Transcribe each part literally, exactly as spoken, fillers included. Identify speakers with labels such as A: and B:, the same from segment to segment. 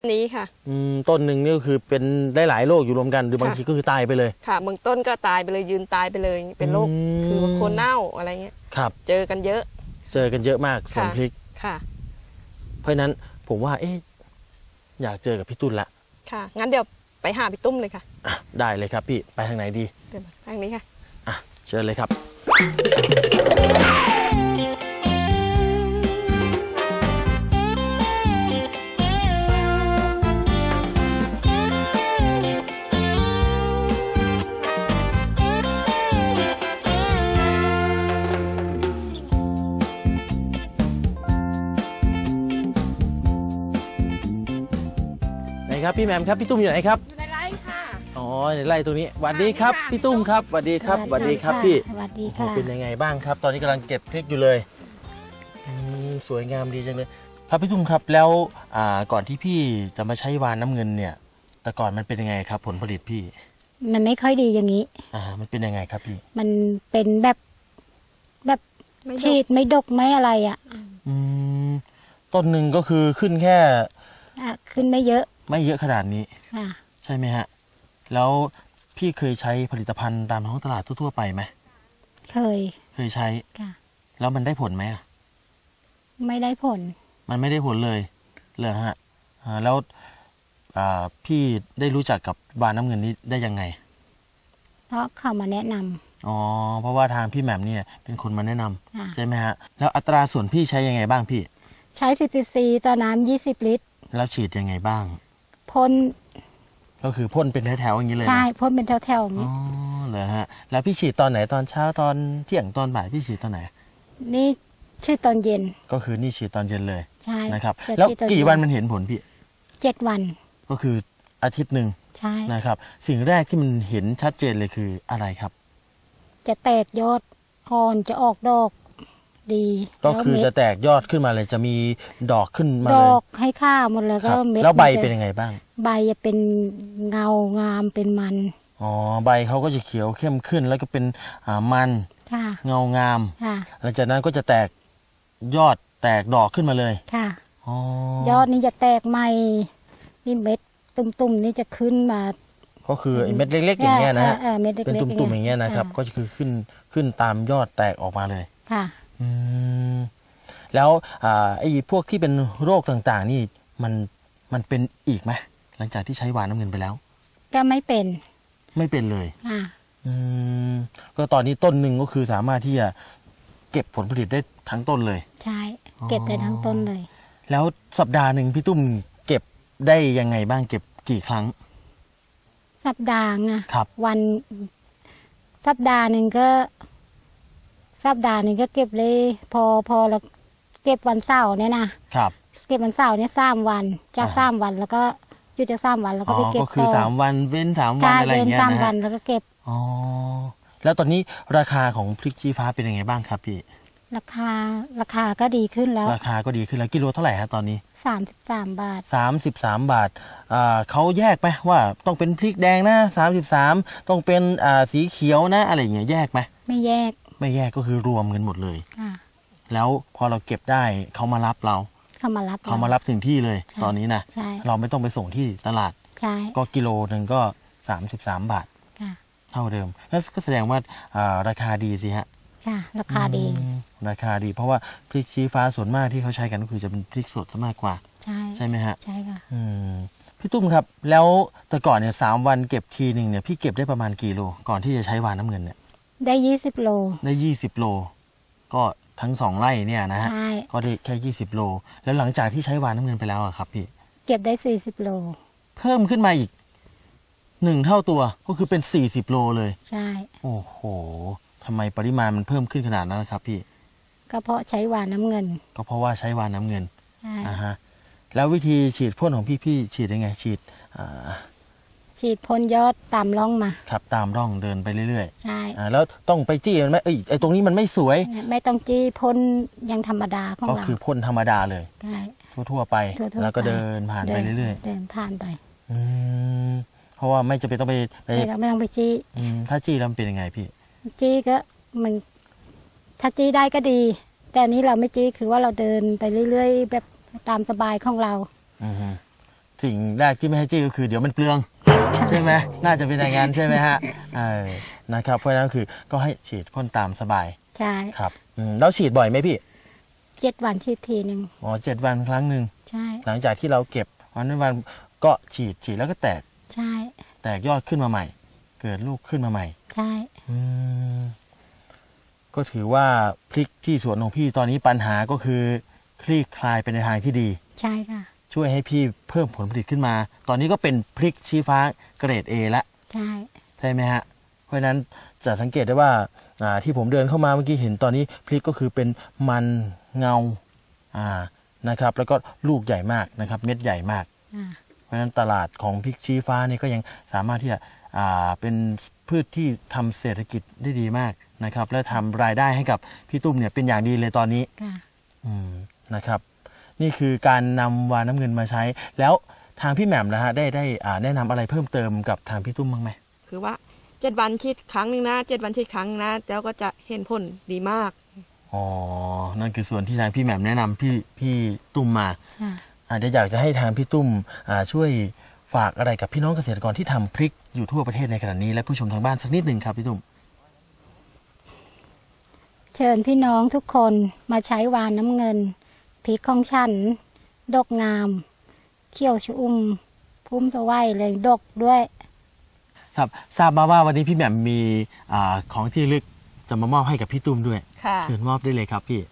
A: นี้ค่ะ
B: อืมต้นหนึ่งนี่ก็คือเป็นได้หลายโรคอยู่รวมกันหรือบางทีก็คือตายไปเลย
A: ค่ะบางต้นก็ตายไปเลยยืนตายไปเลยเป็นโรคคือโคนเน่าอะไรเงี้ย
B: ครับ
A: เจอกันเยอะ
B: เจอกันเยอะมากสวนพริก
A: ค่ะ
B: เพราะฉะนั้นผมว่าเอ๊ะอยากเจอกับพี่ตุ้นละ
A: ค่ะงั้นเดี๋ยวไปหาพี่ตุ้มเลยค่ะ
B: อ่ะได้เลยครับพี่ไปทางไหนดี
A: เดี๋ยวทางนี้ค่ะ
B: อ่ะเชิญเลยครับครับพี่แหม่มครับพี่ตุ้มอยู่ไหนครับ
A: อยู่ในไร่ค่ะ
B: อ๋อในไร่ตรงนี้สวัสดีครับพี่ตุ้มครับสวัสดีครับสวัสดีครับพี่
C: สวัสดีค่ะ
B: เป็นยังไงบ้างครับตอนนี้กำลังเก็บพริกอยู่เลยสวยงามดีจังเลยครับพี่ตุ้มครับแล้วก่อนที่พี่จะมาใช้วานน้ำเงินเนี่ยแต่ก่อนมันเป็นยังไงครับผลผลิตพี่
C: มันไม่ค่อยดีอย่างนี้
B: อ่ามันเป็นยังไงครับพี่
C: มันเป็นแบบแบบฉีดไม่ดกไม่อะไรอ่ะ
B: อืมต้นหนึ่งก็คือขึ้นแค่
C: ขึ้นไม่เยอะ
B: ไม่เยอะขนาดนี้ใช่ไหมฮะแล้วพี่เคยใช้ผลิตภัณฑ์ตามท้องตลาดทั่วๆไปไหม
C: เคย
B: เคยใช้แล้วมันได้ผลไหม
C: ไม่ได้ผล
B: มันไม่ได้ผลเลยเลยฮะแล้วพี่ได้รู้จักกับวานน้ำเงินนี้ได้ยังไง
C: เพราะเขามาแนะนำ
B: อ๋อเพราะว่าทางพี่แหม่มเนี่ยเป็นคนมาแนะนำใช่ไหมฮะแล้วอัตราส่วนพี่ใช้ยังไงบ้างพี่
C: ใช้สิบซีซีต่อน้ำยี่สิบลิตร
B: แล้วฉีดยังไงบ้าง
C: พ่น
B: ก็คือพ่นเป็นแถวๆอย่างนี้เลย
C: ใช่พ่นเป็นแถวๆอย่างนี้
B: อ๋อเหรอฮะแล้วพี่ฉีดตอนไหนตอนเช้าตอนเที่ยงตอนบ่ายพี่ฉีดตอนไหน
C: นี่ฉีดตอนเย็น
B: ก็คือนี่ฉีดตอนเย็นเลย
C: ใช่
B: นะครับแล้วกี่วันมันเห็นผลพี่
C: เจ็ดวัน
B: ก็คืออาทิตย์หนึ่ง
C: ใช่
B: นะครับสิ่งแรกที่มันเห็นชัดเจนเลยคืออะไรครับ
C: จะแตกยอดอ่อนจะออกดอกดี
B: ก็คือจะแตกยอดขึ้นมาเลยจะมีดอกขึ้นมา
C: เลยดอกให้ข้าวหมดเลยก็
B: เม็ดแล้วใบเป็นยังไงบ้าง
C: ใบจะเป็นเงางามเป็นมัน
B: อ๋อใบเขาก็จะเขียวเข้มขึ้นแล้วก็เป็นมันเงางามหลังจากนั้นก็จะแตกยอดแตกดอกขึ้นมาเลย
C: ค่ะยอดนี้จะแตกใหม่นี่เม็ดตุ่มๆนี่จะขึ้นมา
B: ก็คือเม็ดเล็กๆอย่างเงี้ยนะเป็นตุ่มๆอย่างเงี้ยนะครับก็คือขึ้นขึ้นตามยอดแตกออกมาเลย
C: ค่ะ
B: อืมแล้วไอ้พวกที่เป็นโรคต่างๆนี่มันมันเป็นอีกไหมหลังจากที่ใช้วานน้ำเงินไปแล้ว
C: ก็ไม่เป็น
B: ไม่เป็นเลย
C: ค่ะ
B: อืมก็ตอนนี้ต้นหนึ่งก็คือสามารถที่จะเก็บผลผลิตได้ทั้งต้นเลย
C: ใช่เก็บได้ทั้งต้นเลย
B: แล้วสัปดาห์หนึ่งพี่ตุ้มเก็บได้ยังไงบ้างเก็บกี่ครั้ง
C: สัปดาห์อะ
B: ครับ
C: วันสัปดาห์หนึ่งก็สัปดาห์หนึ่งก็เก็บเลยพอพอเราเก็บวันเสาร์เนี่ยนะครับเก็บวันเสาร์เนี่ยสามวันจากสามวันแล้วก็หยุดจากสามวันแล้วก็ไปเก็บ
B: ต่อก็คือสามวันเว้นสามวันอะไรอย่างเงี้ยนะ
C: สามวันแล้วก็เก็บ
B: อ๋อแล้วตอนนี้ราคาของพริกชี้ฟ้าเป็นยังไงบ้างครับพี่
C: ราคาราคาก็ดีขึ้นแล้ว
B: ราคาก็ดีขึ้นแล้วกิโลเท่าไหร่ฮะตอนนี้
C: สามสิบสามบาท
B: สามสิบสามบาทอ่าเขาแยกไหมว่าต้องเป็นพริกแดงนะสามสิบสามต้องเป็นอ่าสีเขียวนะอะไรอย่างเงี้ยแยกไหม
C: ไม่แยก
B: ไม่แยกก็คือรวมกันหมดเลยแล้วพอเราเก็บได้เขามารับเรา
C: เขามารับ
B: เขามารับถึงที่เลยตอนนี้นะเราไม่ต้องไปส่งที่ตลาดก็กิโลหนึ่งก็สามสิบสามบาทเท่าเดิมแล้วก็แสดงว่าราคาดีสิฮะ
C: ค่ะราคาดี
B: ราคาดีเพราะว่าพริกชี้ฟ้าส่วนมากที่เขาใช้กันก็คือจะเป็นพริกสดซะมากกว่า
C: ใช่
B: ใช่ไหมฮะ
C: ใช่ค่ะ
B: พี่ตุ้มครับแล้วแต่ก่อนเนี่ยสามวันเก็บทีหนึ่งเนี่ยพี่เก็บได้ประมาณกี่โลก่อนที่จะใช้วานน้ำเงินเนี่ย
C: ได้ยี่สิบโล
B: ได้ยี่สิบโลก็ทั้งสองไร่เนี่ยนะฮะก็ได้แค่ยี่สิบโลแล้วหลังจากที่ใช้วานน้ำเงินไปแล้วอะครับพี่
C: เก็บได้สี่สิบโล
B: เพิ่มขึ้นมาอีกหนึ่งเท่าตัวก็คือเป็นสี่สิบโลเลย
C: ใช่
B: โอ้โหทำไมปริมาณมันเพิ่มขึ้นขนาดนั้นนะครับพี่
C: ก็เพราะใช้วานน้ำเงิน
B: ก็เพราะว่าใช้วานน้ำเงินอ่าฮะแล้ววิธีฉีดพ่นของพี่พี่ฉีดยังไงฉีด
C: ฉีดพ่นยอดตามร่องมา
B: ครับตามร่องเดินไปเรื่อย
C: ๆใช่
B: แล้วต้องไปจี้มันไหมเอ้ยไอ้ตรงนี้มันไม่สวย
C: ไม่ต้องจี้พ่นยังธรรมดาของเรา
B: ก็คือพ่นธรรมดาเลย
C: ใช่
B: ทั่วๆไปแล้วก็เดินผ่านไปเรื่อย
C: ๆเดินผ่านไป
B: อืมเพราะว่าไม่จำเป็นต้องไป
C: ไม่ต้องไปจี้
B: ถ้าจี้แล้วมันเป็นยังไงพี่
C: จี้ก็มันถ้าจี้ได้ก็ดีแต่นี้เราไม่จี้คือว่าเราเดินไปเรื่อยๆแบบตามสบายของเรา
B: อือสิ่งแรกที่ไม่ให้จี้ก็คือเดี๋ยวมันเปลืองใช่ไหมน่าจะเป็นอย่างนั้นใช่ไหมฮะเออนะครับเพราะฉะนั้นคือก็ให้ฉีดพ่นตามสบาย
C: ใช่
B: ครับอืมแล้วฉีดบ่อยไหมพี่
C: เจ็ดวันฉีดทีหนึ่ง
B: อ๋อเจ็ดวันครั้งหนึ่ง
C: ใช่
B: หลังจากที่เราเก็บวันนั้นวันก็ฉีดฉีดแล้วก็แตก
C: ใช่
B: แตกยอดขึ้นมาใหม่ เกิดลูกขึ้นมาใหม่
C: ใช่
B: อืมก็ถือว่าพริกที่สวนของพี่ตอนนี้ปัญหาก็คือคลี่คลายไปในทางที่ดี
C: ใช่ค่ะ
B: ช่วยให้พี่เพิ่มผลผลิตขึ้นมา ตอนนี้ก็เป็นพริกชี้ฟ้าเกรด A แล้ว
C: ใช่
B: ใช่ไหมฮะ เพราะฉะนั้นจะสังเกตได้ว่าอ่าที่ผมเดินเข้ามาเมื่อกี้เห็นตอนนี้พริกก็คือเป็นมันเงาอ่านะครับ แล้วก็ลูกใหญ่มากนะครับ เม็ดใหญ่มาก
C: อ่า
B: เพราะฉะนั้นตลาดของพริกชี้ฟ้านี่ก็ยังสามารถที่จะอ่าเป็นพืชที่ทำเศรษฐกิจได้ดีมากนะครับ และทำรายได้ให้กับพี่ตุ้มเนี่ยเป็นอย่างดีเลยตอนนี้
C: ค่ะ
B: อืมนะครับ นี่คือการนำวานน้ำเงินมาใช้ แล้วทางพี่แหม่มนะฮะได้ได้อ่าแนะนำอะไรเพิ่มเติมกับทางพี่ตุ้มบ้างไหม
A: คือว่าเจ็ดวันฉีดครั้งหนึ่งนะเจ็ดวันฉีดครั้งนะแล้วก็จะเห็นผลดีมาก
B: อ๋อ นั่นคือส่วนที่ทางพี่แหม่มแนะนำพี่พี่ตุ้มมา
C: ค่ะ
B: อ่าเดี๋ยวอยากจะให้ทางพี่ตุ้มอ่าช่วยฝากอะไรกับพี่น้องเกษตรกรที่ทำพริกอยู่ทั่วประเทศในขณะนี้และผู้ชมทางบ้านสักนิดหนึ่งครับพี่ตุ้ม
C: เชิญพี่น้องทุกคนมาใช้วานน้ำเงินพริกของฉัน ดกงาม เขี้ยวชอุ่มพุ่มสวัยเลยดกด้วย
B: ครับทราบมาว่าวันนี้พี่แหม่มมีอาของที่ระลึกจะมามอบให้กับพี่ตุ้มด้วย
A: ค่ะ
B: เชิญมอบได้เลยครับพี่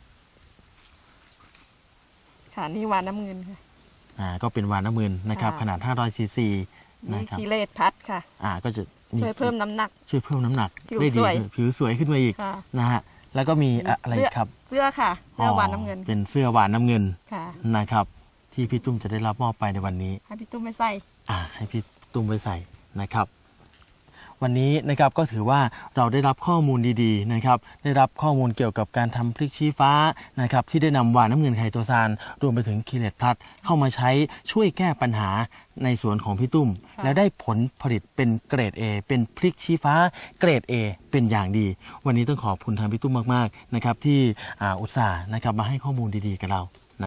A: ค่ะนี่วานน้ำเงินค่ะ
B: อ่าก็เป็นวานน้ำมืนนะครับ
A: ค่ะ
B: ขนาดห้าร้อยซีซี
A: นี่
B: นะครับ
A: กิเลสพัดค่ะ
B: อ่าก็จะนี่
A: ช่วยเพิ่มน้ำหนัก
B: ช่วยเพิ่มน้ำหนัก
A: ผิว
B: ได้ดี
A: สวย
B: ขึ้นผิวสวยขึ้นมาอีก
A: ค่ะ
B: นะฮะแล้วก็มีอะอะไรอีกครับ
A: เสื้อค่ะเสื้อวานน้ำเงิน
B: เป็นเสื้อวานน้ำเงิน
A: ค่ะ
B: นะครับที่พี่ตุ้มจะได้รับมอบไปในวันนี้
A: ให้พี่ตุ้มไปใส่
B: อ่าให้พี่ตุ้มไว้ใส่นะครับ วันนี้นะครับก็ถือว่าเราได้รับข้อมูลดีๆนะครับได้รับข้อมูลเกี่ยวกับการทำพริกชี้ฟ้านะครับที่ได้นำวานน้ำเงินไคโตซานรวมไปถึงคีเลตพลัสเข้ามาใช้ช่วยแก้ปัญหาในสวนของพี่ตุ้ม แล้วได้ผลผลิตเป็นเกรด A เป็นพริกชี้ฟ้าเกรด A เป็นอย่างดี วันนี้ต้องขอบคุณทางพี่ตุ้มมากๆนะครับที่อ่าอุตส่าห์นะครับมาให้ข้อมูลดีๆกับเรา